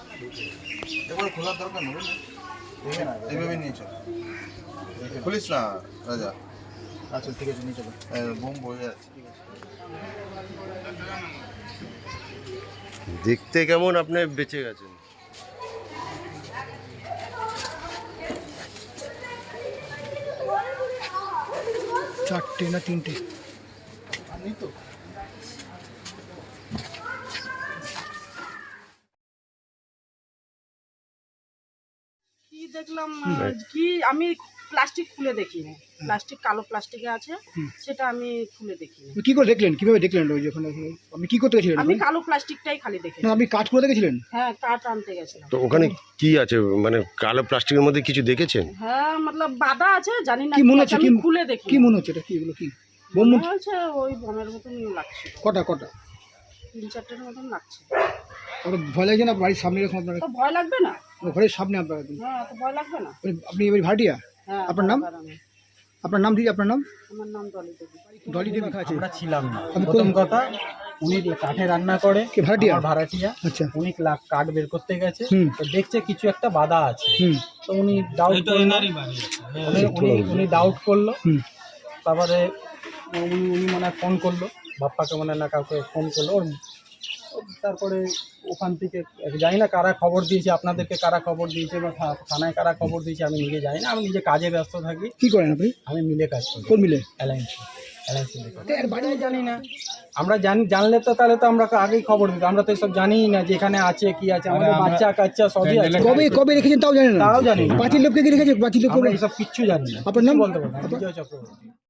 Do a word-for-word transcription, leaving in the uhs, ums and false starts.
একবার খোলার দরকার নেই, এইভাবে নিয়ে চল, খুলিস না রাজা। আচ্ছা ঠিক আছে, নিয়ে চলো। বোম বয়ে আছে। দেখতে কেমন আপনি বেঁচে গেছেন? চারটে না তিনটে আমি তো কি দেখলাম কি আমি প্লাস্টিক খুলে দেখিনি, প্লাস্টিক কালো প্লাস্টিকে আছে সেটা আমি খুলে দেখিনি। কি করে দেখলেন, কিভাবে দেখলেন? ওই যখন আপনি কি করতে গেছিলেন? আমি কালো প্লাস্টিকটাই খালি দেখি। না, আপনি কাঠ করে দেখেছিলেন? হ্যাঁ, কাঠ আনতে গেছিলাম। তো ওখানে কি আছে, মানে কালো প্লাস্টিকের মধ্যে কিছু দেখেছেন? হ্যাঁ, মতলব বাধা আছে, জানি না কি মনে হচ্ছে, আমি কি খুলে দেখি। কি মনে হচ্ছে এটা, কি এগুলো, কি বোম মনে হচ্ছে ওই বোমের মতন লাগছে। কটা কটা তিন চারটের মতন লাগছে। আর ভয় লাগছে না? বাড়ির সামনে এরকম আপনার, তো ভয় লাগবে না? ঘরের সামনে আপনার, হ্যাঁ, তো ভয় লাগবে না? আপনি এবার ভাড়াটিয়া? হ্যাঁ। আপনার নাম? আপনার নাম দিদি, আপনার নাম? আমার নাম ডলি দেবী। ডলি দেবী। আমরা ছিলাম না, প্রথম কথা। উনি কাঠে রান্না করে, কে ভাড়াটিয়া? আমার ভাড়াটিয়া। আচ্ছা। উনি লা- কাঠ বের করতে গেছে, হুম। তো দেখছে কিছু একটা বাধা আছে। হুম। তো উনি ডাউট করলো, উনি উনি- উনি ডাউট করলো। হুম। তারপরে উনি উনি মনে হয় ফোন করলো বাপ্পাকে, মনে হয় না কাউকে ফোন করলো ওর। তারপরে ওখান থেকে জানি না কারা খবর দিয়েছে, আপনাদেরকে কারা খবর দিয়েছে বা থা- থানায় কারা খবর দিয়েছে আমি নিজে জানি না। আমি নিজে কাজে ব্যস্ত থাকি। কি করেন আপনি? আমি মিলে কাজ করি। কোন মিলে? অ্যালায়েন্স অ্যালায়েন্স মিলে করি। বাড়ি জানি না, আমরা জানি, জানলে তো তাহলে তো আমরা আগেই খবর দিতাম। আমরা তো এসব জানিই না যে এখানে আছে কি আছে। আমাদের বাচ্চা কাচ্চা সবই আছে। কবে কবে রেখেছেন তাও জানেন না? তাও জানি না। পাঁচিল লোককে কি রেখেছে? পাঁচিল লোক আমরা এসব কিচ্ছু জানি না। আপনার নাম? বলতে পারবো না। বিজয় চক্রবর্তী।